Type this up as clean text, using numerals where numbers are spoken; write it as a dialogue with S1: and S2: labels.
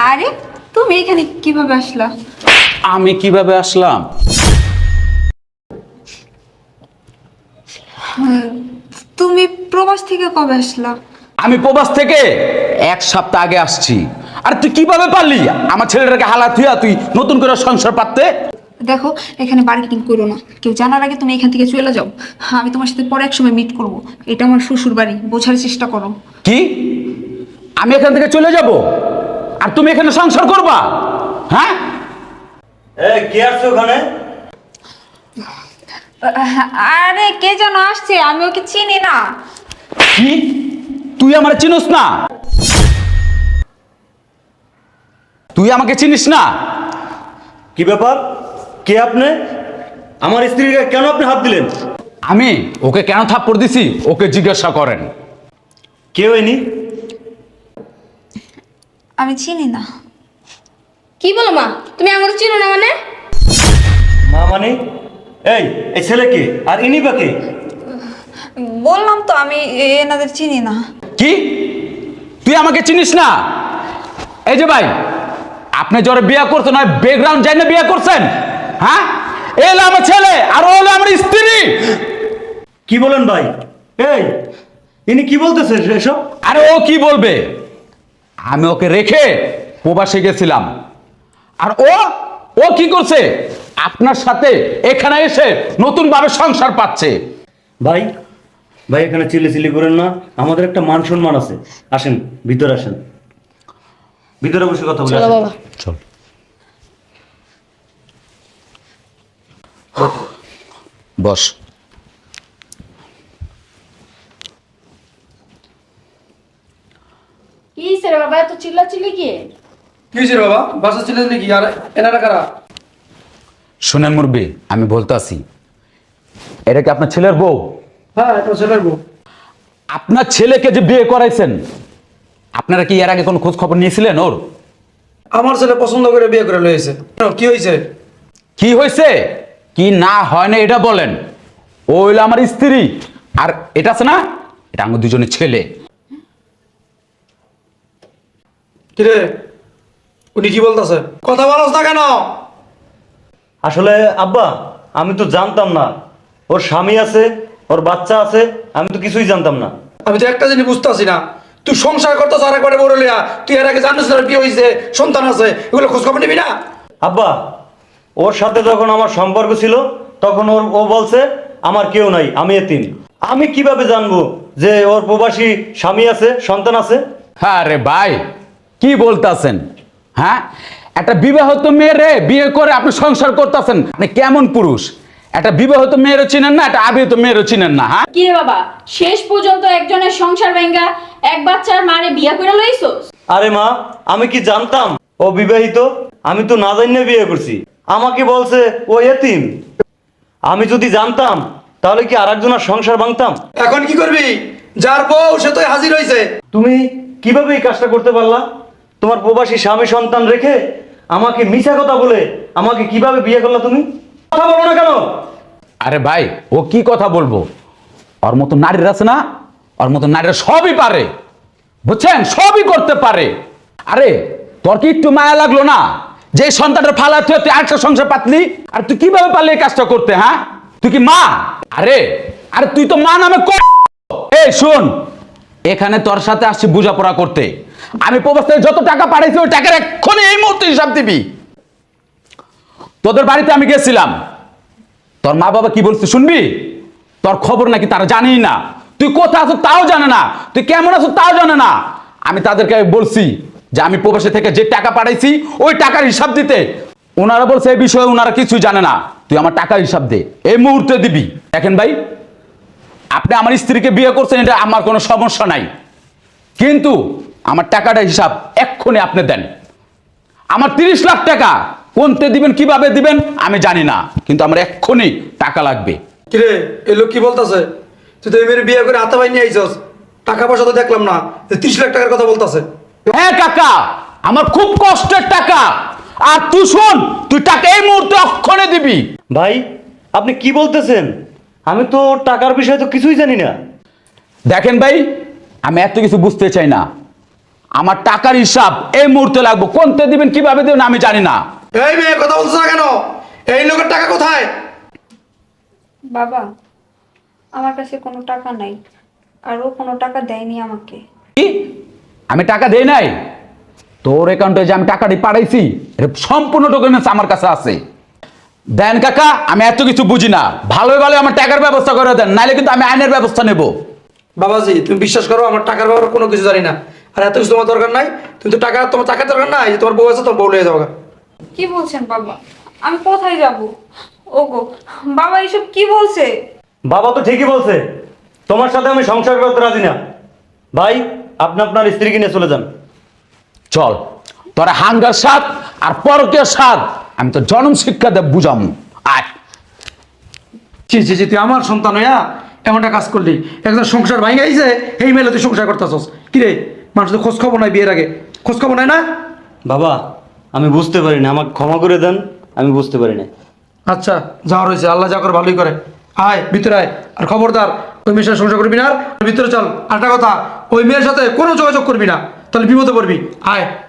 S1: আরে তুমি এখানে কিভাবে আসলা?
S2: আমি কিভাবে আসলাম?
S1: তুমি প্রবাস থেকে কবে আসলা?
S2: আমি প্রবাস থেকে 1 সপ্তাহ আগে আসছি। আর তুই কিভাবে পারলি আমার ছেলেটাকে হালা থুয়া তুই নতুন করে সংসার পাততে?
S1: দেখো, এখানে মার্কেটিং করো না, কেউ জানার আগে তুমি এখান থেকে চলে যাও। আমি তোমার সাথে পরে এক সময় মিট করব। এটা আমার শ্বশুর বাড়ি, বোঝার চেষ্টা করো।
S2: কি? আমি এখান থেকে চলে যাব আর তুমি এখানে সংসার করবা? হ্যাঁ,
S3: কে আসছে ওখানে?
S1: আরে কে যেন আসছে, আমি ওকে চিনি না।
S2: কি? তুই আমার চিনিস না? তুই আমাকে চিনিস না?
S3: কি ব্যাপার? কে আপনি? আমার স্ত্রীকে কেন আপনি হাত দিলেন?
S2: আমি ওকে কেন থাপ্পড় দিছি ওকে জিজ্ঞাসা করেন।
S3: কে হয়নি?
S1: আমি চিনি না।
S4: কি বলো মা, তুমি আমার চিনো না মানে?
S3: মা মানে? এই এই ছেলে কে আর ইনি বা কে?
S1: বললাম তো আমি এনাদের চিনি না।
S2: কি? তুই আমাকে চিনিস না? এই যে ভাই, আপনি যারা বিয়ে করছেন না ব্যাকগ্রাউন্ড জানি না বিয়ে করছেন? হ্যাঁ, এ হলো আমার ছেলে আর ও হলো আমার স্ত্রী।
S3: কি বলেন ভাই? এই ইনি কি বলতেছেন এসব?
S2: আরে ও কি বলবে? আমি ওকে রেখে প্রবাসে গেছিলাম আর ও ও কি করছে আপনার সাথে এখানে এসে নতুন ভাবে সংসার পাচ্ছে।
S3: ভাই ভাই এখানে চিল্লি করেন না, আমাদের একটা মান সম্মান আছে। আসেন ভিতরে আসেন, ভিতরে বসে কথা বলে
S4: চলো
S3: আসেন।
S4: বাবা।
S2: চল। বস।
S4: কি হইছে রে বাবা, এত চিল্লাচিল্লি কি?
S5: কি হয়েছে বাবা? বাসা ছিলেন নাকি? আর এনারা কারা?
S2: শুনেন মুরবি, আমি বলতে আসি, এটা কি আপনার ছেলের বউ?
S5: হ্যাঁ, এটা ছেলের বউ।
S2: আপনার ছেলেকে যে বিয়ে করাইছেন আপনারা কি এর আগে কোনো খোঁজ খবর নিয়েছিলেন ওর?
S5: আমার ছেলে পছন্দ করে বিয়ে করে লয়েছে। কি হয়েছে?
S2: কি হয়েছে কি না হয় না এটা বলেন। ও হইলো আমার স্ত্রী আর এটা আছে না, এটা আমার দুজনের ছেলে।
S5: কিরে, উনি কি বলতেছে? কথা বলছ না কেন?
S3: আসলে আব্বা আমি তো জানতাম না ওর স্বামী আছে, ওর বাচ্চা আছে, আমি তো কিছুই জানতাম না।
S5: আমি তো একটা জিনিস বুঝতেছি না, তুই সংসার করতে আর একবারে বড় লিয়া, তুই এর আগে জানিস না কি হয়েছে, সন্তান আছে, এগুলো খোঁজ খবর নিবি না?
S3: আব্বা ওর সাথে যখন আমার সম্পর্ক ছিল তখন ও বলছে আমার কেউ নাই, আমি এতিম। আমি কিভাবে জানবো যে ওর প্রবাসী স্বামী আছে, সন্তান আছে?
S2: হ্যাঁ রে ভাই, কি বলতাছেন? হ্যাঁ, একটা বিবাহিত মেয়েরে বিয়ে করে আপনি সংসার করতেছেন, আপনি কেমন পুরুষ? একটা বিবাহিত মেয়েরও চিনেন না, একটা আবিহিত মেয়েরও চিনেন না। হ্যাঁ,
S4: কি রে বাবা, শেষ পর্যন্ত একজনের সংসার ভেঙ্গা এক বাচ্চার মারে বিয়া করে লইছস?
S3: আরে মা, আমি কি জানতাম ও বিবাহিত? আমি তো না জানিয়ে বিয়ে করছি। আমাকে বলছে ও এতিম। আমি যদি জানতাম তাহলে কি আরেকজনের সংসার ভাঙতাম?
S5: এখন কি করবি? যার বউ সে তো হাজির হয়েছে।
S3: তুমি কিভাবে এই কাজটা করতে পারলা? তোমার প্রবাসী স্বামী সন্তান রেখে আমাকে মিছা কথা বলে আমাকে কিভাবে বিয়ে করলা তুমি? কথা বলো না কেন?
S2: আরে ভাই, ও কি কথা বলবো? ওর মতো নারীরা আছে না, ওর মতো নারীরা সবই পারে, বুঝছেন, সবই করতে পারে। আরে তোর কি একটু মায়া লাগলো না যে সন্তানটা ফালা তুই আরেকটা সংসার পাতলি? আর তুই কিভাবে পারলি এই কাজটা করতে? হ্যাঁ, তুই কি মা? আরে আরে তুই তো মা নামে এই শোন, এখানে তোর সাথে আসছি বোঝাপড়া করতে। আমি প্রবাস থেকে যত টাকা পাঠাইছি ওই টাকার এক্ষুনি এই মুহূর্তে হিসাব দিবি। তোদের বাড়িতে আমি গেছিলাম, তোর মা বাবা কি বলছে শুনবি? তোর খবর নাকি তারা জানেই না, তুই কোথায় আছো তাও জানে না, তুই কেমন আছো তাও জানে না। আমি তাদেরকে বলছি যে আমি প্রবাসী থেকে যে টাকা পাঠাইছি ওই টাকার হিসাব দিতে। ওনারা বলছে এই বিষয়ে ওনারা কিছুই জানে না, তুই আমার টাকার হিসাব দে, এই মুহূর্তে দিবি। দেখেন ভাই, আপনি আমার স্ত্রীকে বিয়ে করছেন, এটা আমার কোনো সমস্যা নাই, কিন্তু আমার টাকাটা হিসাব এক্ষুনি আপনি দেন। আমার 30 লাখ টাকা কোনতে দিবেন কিভাবে দিবেন আমি জানি না, কিন্তু আমার এক্ষুনি টাকা লাগবে।
S5: কিরে, এই লোক কি বলতেছে? তুই তো এই মেয়ের বিয়ে করে হাতে ভাই নিয়ে আইছস, টাকা পয়সা তো দেখলাম না, 30 লাখ টাকার কথা বলতেছে।
S2: হ্যাঁ কাকা, আমার খুব কষ্টের টাকা, আর তুই শোন, তুই টাকা এই মুহূর্তে অক্ষণে দিবি।
S3: ভাই আপনি কি বলতেছেন? আমি তো টাকার বিষয়ে তো কিছুই জানি না।
S2: দেখেন ভাই, আমি এত কিছু বুঝতে চাই না, আমার টাকার হিসাব এই মুহূর্তে লাগবো। কোনতে দিবেন কিভাবে দিবেন আমি জানি না।
S5: এই মেয়ে কথা বলছো না কেন? এই লোকের টাকা কোথায়?
S1: বাবা, আমার কাছে কোনো টাকা নাই, আর ও কোনো টাকা দেয়নি আমাকে।
S2: কি? আমি টাকা দেই নাই? তোর অ্যাকাউন্টে যে আমি টাকাটি পাঠাইছি এর সম্পূর্ণ ডকুমেন্টস আমার কাছে আছে। দেন কাকা, আমি এত কিছু বুঝি না, ভালো ভালো আমার টাকার ব্যবস্থা করে দেন, নাইলে কিন্তু আমি আইনের ব্যবস্থা নেব।
S5: বাবাজি তুমি বিশ্বাস করো, আমার টাকার ব্যাপারে কোনো কিছু জানি না, আর এত কিছু তোমার দরকার নাই। তুমি তো তোমার টাকার দরকার নাই, যে তোমার বউ আছে তোমার বউ নিয়ে যাও।
S1: কি বলছেন বাবা? আমি কোথায় যাব? ওগো বাবা, এসব কি বলছে?
S3: বাবা তো ঠিকই বলছে, তোমার সাথে আমি সংসার করতে রাজি না। ভাই আপনি আপনার স্ত্রীকে নিয়ে চলে যান।
S2: চল, তোরা হাঙ্গার স্বাদ আর পরকের স্বাদ আমি তো জনম শিক্ষা দেব বুঝাম। আয়।
S5: জি জি জি, তুই আমার সন্তান হইয়া এমনটা কাজ করলি, একজন সংসার ভাঙে আইছে, এই মেলে তুই সংসার করতেছস কি রে? মানুষের খোঁজ খবর নাই, বিয়ের আগে খোঁজ খবর নাই না?
S3: বাবা আমি বুঝতে পারি না, আমাকে ক্ষমা করে দেন, আমি বুঝতে পারি না।
S5: আচ্ছা যাওয়ার হয়েছে, আল্লাহ যা করে ভালোই করে। আয় ভিতরে আয়, আর খবরদার ওই মেয়ের সাথে সংসার করবি না। আর ভিতরে চল। আরেকটা কথা, ওই মেয়ের সাথে কোনো যোগাযোগ করবি না, তাহলে বিপদে পড়বি। আয়।